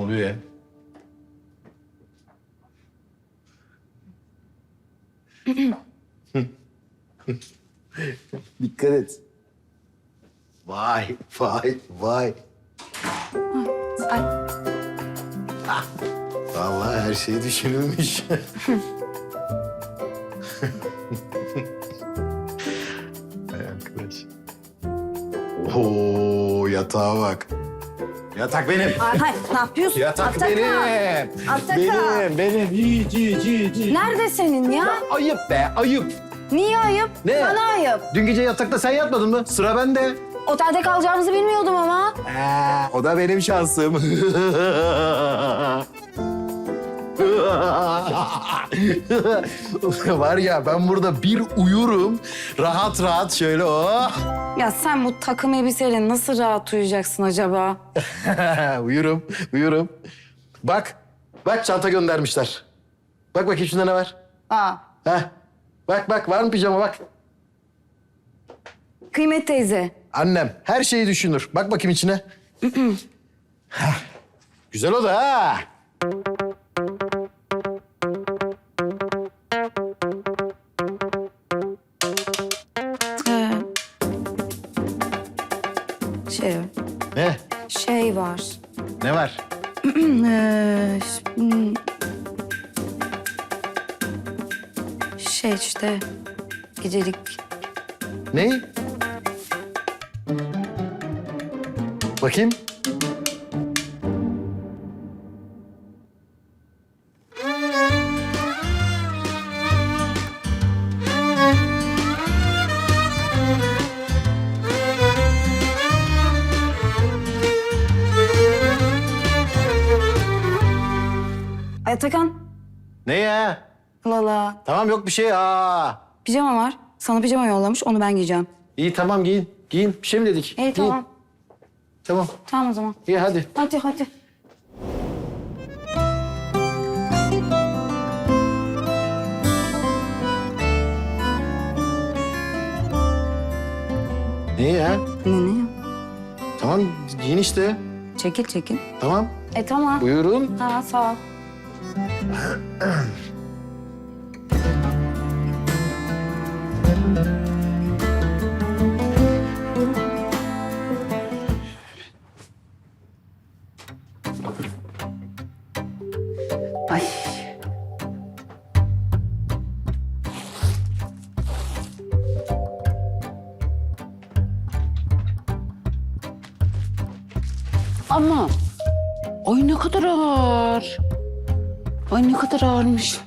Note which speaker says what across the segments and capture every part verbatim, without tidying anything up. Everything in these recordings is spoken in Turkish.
Speaker 1: oluyor ya? Dikkat et. Vay, vay, vay.
Speaker 2: Ay.
Speaker 1: Ah, vallahi her şey düşünülmüş. Hay arkadaş. Oo, yatağa bak. Yatak benim.
Speaker 2: Ay, hayır, ne yapıyorsun?
Speaker 1: Yatak
Speaker 2: Ataka.
Speaker 1: benim.
Speaker 2: Ataka.
Speaker 1: Benim, benim. Yiğit, yiğit, yiğit, yiğit.
Speaker 2: Nerede senin ya?
Speaker 1: Ya ayıp be, ayıp.
Speaker 2: Niye ayıp?
Speaker 1: Ne?
Speaker 2: Bana ayıp.
Speaker 1: Dün gece yatakta sen yatmadın mı? Sıra bende.
Speaker 2: Otelde kalacağımızı bilmiyordum ama.
Speaker 1: Ee, o da benim şansım. Var ya ben burada bir uyurum. Rahat rahat şöyle oh.
Speaker 2: Ya sen bu takım elbiseyle nasıl rahat uyuyacaksın acaba?
Speaker 1: uyurum, uyurum. Bak, bak çanta göndermişler. Bak bakayım şunda ne var?
Speaker 2: Aa,
Speaker 1: Heh. Bak bak var mı pijama bak.
Speaker 2: Kıymet teyze.
Speaker 1: Annem her şeyi düşünür. Bak bakayım içine. Heh. Güzel o da ha.
Speaker 2: Ee, şey,
Speaker 1: Ne?
Speaker 2: şey var.
Speaker 1: Ne var?
Speaker 2: Ee, ş- hmm. şey işte gecelik.
Speaker 1: Ne? Bakayım.
Speaker 2: Ay Atakan,
Speaker 1: Ne ya?
Speaker 2: Lala.
Speaker 1: Tamam yok bir şey. Aa.
Speaker 2: Pijama var. Sana pijama yollamış, onu ben giyeceğim.
Speaker 1: İyi tamam giyin. Giyin. Bir şey mi dedik?
Speaker 2: İyi
Speaker 1: Giyin.
Speaker 2: tamam.
Speaker 1: Tamam.
Speaker 2: Tamam o zaman.
Speaker 1: İyi hadi.
Speaker 2: Hadi hadi.
Speaker 1: Ne ya?
Speaker 2: Ne ne?
Speaker 1: Tamam giyin işte.
Speaker 2: Çekil çekil.
Speaker 1: Tamam.
Speaker 2: E tamam.
Speaker 1: Buyurun.
Speaker 2: Ha sağ ol. Ay.
Speaker 3: Ama ay ne kadar ağır. Ay ne kadar ağırmış.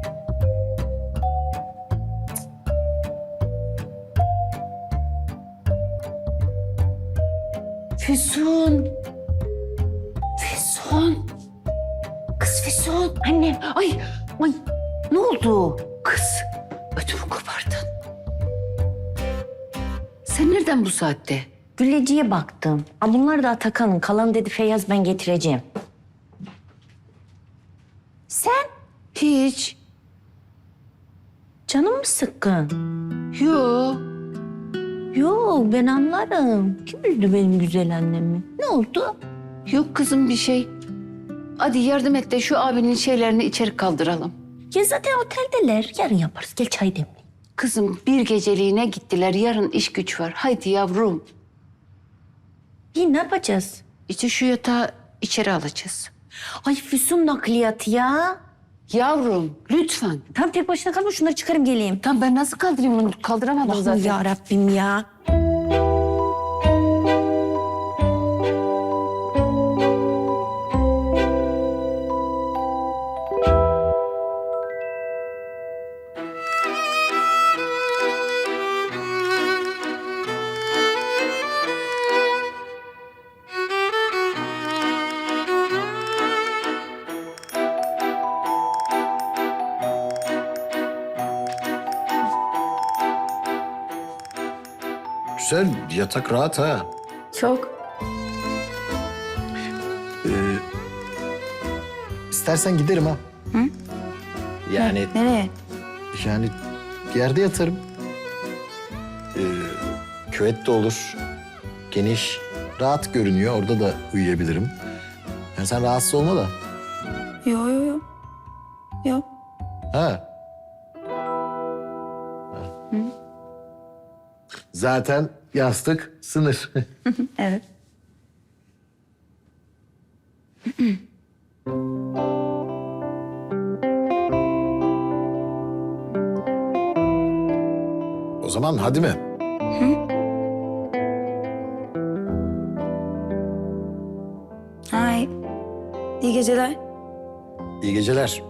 Speaker 3: Füsun. Füsun. Kız Füsun. Annem. Ay, ay ne oldu? Kız ödümü kopardın. Sen nereden bu saatte?
Speaker 4: Gülleciye baktım. Aa, bunlar da Atakan'ın. Kalan dedi Feyyaz ben getireceğim. Sen?
Speaker 3: Hiç.
Speaker 4: Canın mı sıkkın?
Speaker 3: Yo.
Speaker 4: Yok ben anlarım. Kim üzdü benim güzel annemi? Ne oldu?
Speaker 3: Yok kızım bir şey. Hadi yardım et de şu abinin şeylerini içeri kaldıralım.
Speaker 4: Ya zaten oteldeler. Yarın yaparız. Gel çay demle.
Speaker 3: Kızım bir geceliğine gittiler. Yarın iş güç var. Haydi yavrum.
Speaker 4: İyi ne yapacağız?
Speaker 3: İşte şu yatağı içeri alacağız.
Speaker 4: Ay Füsun nakliyatı ya.
Speaker 3: Yavrum lütfen.
Speaker 4: Tam tek başına kalma şunları çıkarım geleyim.
Speaker 3: Tamam ben nasıl kaldırayım onu? Kaldıramadım
Speaker 4: Allah'ım
Speaker 3: zaten.
Speaker 4: ya Rabbim ya.
Speaker 1: Güzel yatak rahat ha.
Speaker 2: Çok.
Speaker 1: Ee, istersen giderim ha.
Speaker 2: Hı?
Speaker 1: Yani
Speaker 2: Nereye?
Speaker 1: yani yerde yatarım. Ee, küvet de olur. Geniş, rahat görünüyor. Orada da uyuyabilirim. Yani sen rahatsız olma da.
Speaker 2: Yo yo yo. Yo.
Speaker 1: Ha. Zaten yastık sınır.
Speaker 2: Evet.
Speaker 1: O zaman hadi mi?
Speaker 2: Hay. İyi geceler.
Speaker 1: İyi geceler.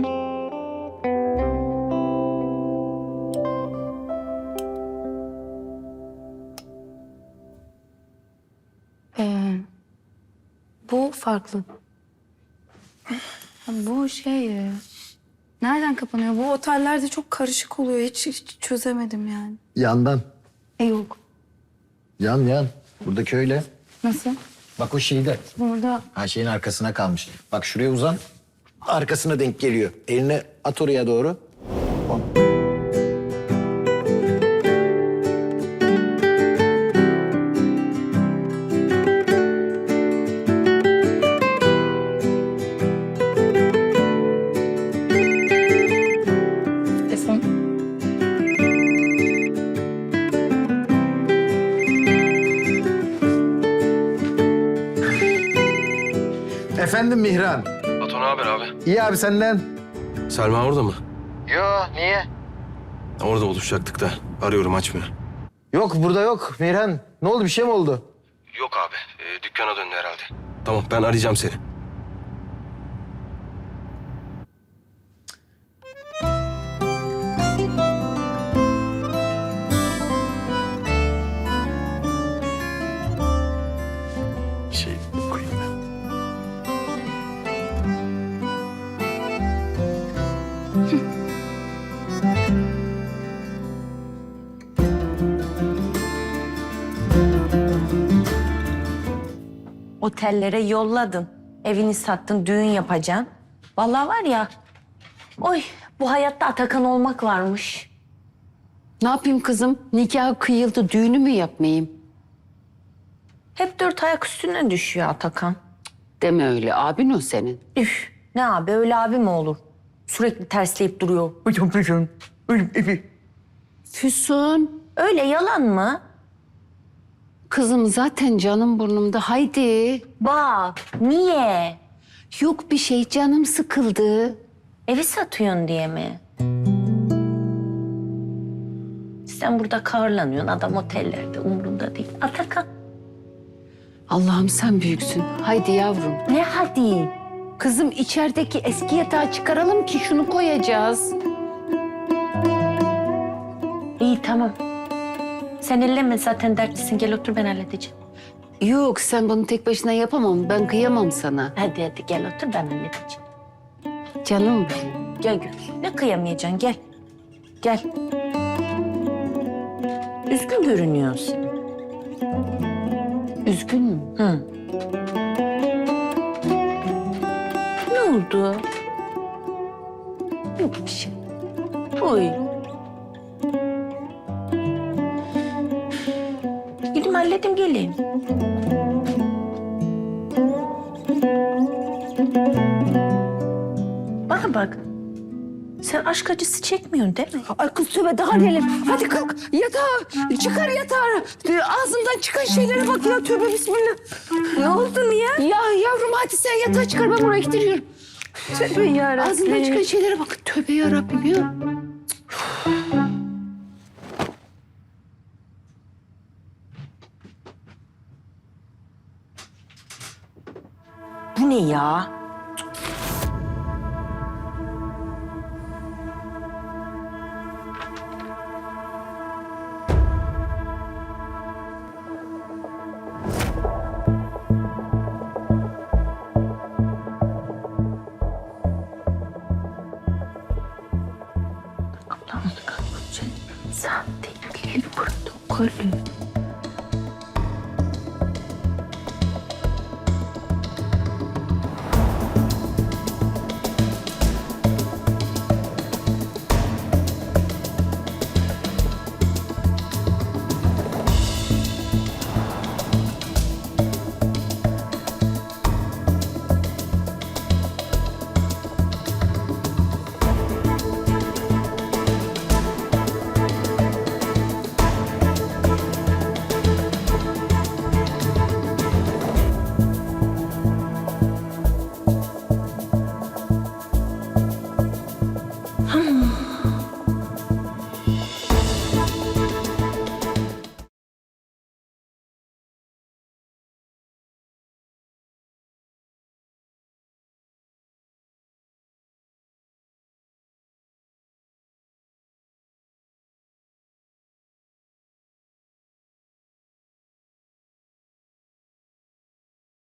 Speaker 2: Ee, bu farklı. Bu şey... e, Nereden kapanıyor? Bu otellerde çok karışık oluyor. Hiç, hiç çözemedim yani.
Speaker 1: Yandan.
Speaker 2: E yok.
Speaker 1: Yan yan. Buradaki öyle.
Speaker 2: Nasıl?
Speaker 1: Bak o şeyde.
Speaker 2: Burada
Speaker 1: Ha şeyin arkasına kalmış. Bak şuraya uzan. Arkasına denk geliyor. Elini at oraya doğru.
Speaker 2: telefon.
Speaker 1: Efendim Mihran.
Speaker 5: Ato ne haber abi?
Speaker 1: İyi abi senden.
Speaker 5: Selma orada mı?
Speaker 1: Yo niye?
Speaker 5: Orada buluşacaktık da. Arıyorum açmıyor.
Speaker 1: Yok burada yok Mihran. Ne oldu bir şey mi oldu?
Speaker 5: Yok abi. Ee, dükkana döndü herhalde. Tamam ben arayacağım seni.
Speaker 1: Şey koyayım ben.
Speaker 4: Otellere yolladın. Evini sattın, düğün yapacaksın. Vallahi var ya, oy bu hayatta Atakan olmak varmış.
Speaker 3: Ne yapayım kızım? Nikah kıyıldı, düğünü mü yapmayayım?
Speaker 4: Hep dört ayak üstüne düşüyor Atakan.
Speaker 3: Deme öyle, abin o senin.
Speaker 4: Üf, ne abi öyle abi mi olur? Sürekli tersleyip duruyor.
Speaker 3: Füsun,
Speaker 4: Öyle yalan mı?
Speaker 3: kızım zaten canım burnumda. Haydi.
Speaker 4: Bak, niye?
Speaker 3: Yok bir şey, canım sıkıldı.
Speaker 4: Evi satıyorsun diye mi? Sen burada kahırlanıyorsun, adam otellerde umurunda değil. Atakan.
Speaker 3: Allah'ım sen büyüksün. Haydi yavrum.
Speaker 4: Ne hadi?
Speaker 3: Kızım içerideki eski yatağı çıkaralım ki şunu koyacağız.
Speaker 4: İyi tamam. Sen elleme zaten dertlisin. Gel otur ben halledeceğim.
Speaker 3: Yok sen bunu tek başına yapamam. Ben kıyamam sana.
Speaker 4: Hadi hadi gel otur ben halledeceğim.
Speaker 3: Canım.
Speaker 4: Gel gül. Ne kıyamayacaksın gel. Gel. Üzgün görünüyorsun.
Speaker 3: Üzgün mü?
Speaker 4: Hı. Ne oldu? Yok bir şey. Oy. Gidin halledin geleyim. Bana bak. Sen aşk acısı çekmiyorsun değil mi?
Speaker 3: Ay kız tövbe daha neler. Hadi kalk yatağa. Çıkar yatağı. Ağzından çıkan şeylere bak ya tövbe bismillah.
Speaker 4: Ne oldu niye?
Speaker 3: Ya yavrum hadi sen yatağa çıkar ben buraya gidiyorum.
Speaker 4: Tövbe yarabbim.
Speaker 3: Ağzından çıkan şeylere bak. Tövbe yarabbim ya.
Speaker 4: Bu ne ya? Allah'ım kahretsin. Sahte evlilik protokolü.